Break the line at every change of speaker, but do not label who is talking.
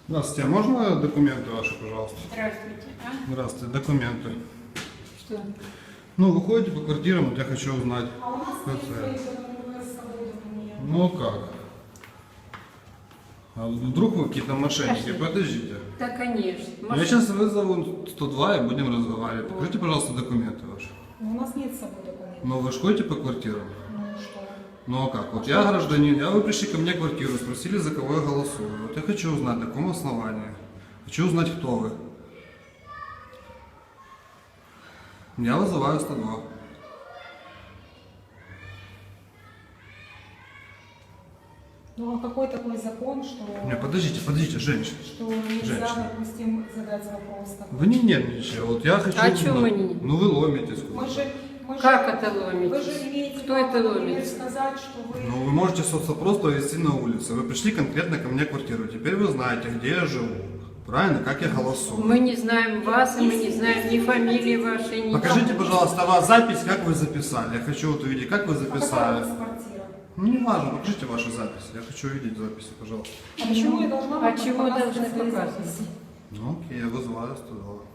Здравствуйте, а можно документы ваши, пожалуйста?
Здравствуйте. А?
Здравствуйте, документы.
Что?
Ну, вы ходите по квартирам, вот я хочу узнать.
А у нас
как
нет
это.
своих с собой документов.
Ну как? А вдруг вы какие-то мошенники?
Пошли.
Подождите.
Да, конечно.
Я сейчас вызову 102 и будем разговаривать. Покажите, пожалуйста, документы ваши.
Но у нас нет с собой документов.
Ну, вы же ходите по квартирам?
Ну что?
Ну а как? Вот я гражданин, вы пришли ко мне в квартиру, спросили, за кого я голосую. Вот я хочу узнать, на каком основании. Хочу узнать, кто вы. Я вызываю 102.
Ну а какой такой закон, что,
Не, подождите, женщина.
что нельзя,
Женщина.
допустим, задать вопрос такой?
Вы не нервничайте, вот я хочу
А
узнать.
чё мы не-
Ну вы ломитесь
Мы
куда-то.
же,
Как это
Вы
ломитесь?
же имеете
Кто
право,
это
например,
ломится?
сказать, что вы...
Ну вы можете соцопрос провести на улице. Вы пришли конкретно ко мне в квартиру. Теперь вы знаете, где я живу. Правильно? Как я голосую.
Мы не знаем вас, и мы не знаем ни фамилии вашей, ни...
Покажите, пожалуйста, вас запись, как вы записали. Я хочу вот увидеть, как вы
А какая у
записали.
вас квартира?
Ну не важно, покажите ваши записи. Я хочу увидеть записи, пожалуйста.
А почему я должна
А
вам
чего
показывать
должны
свои
показывать?
записи?
Ну окей, я вызываю 102.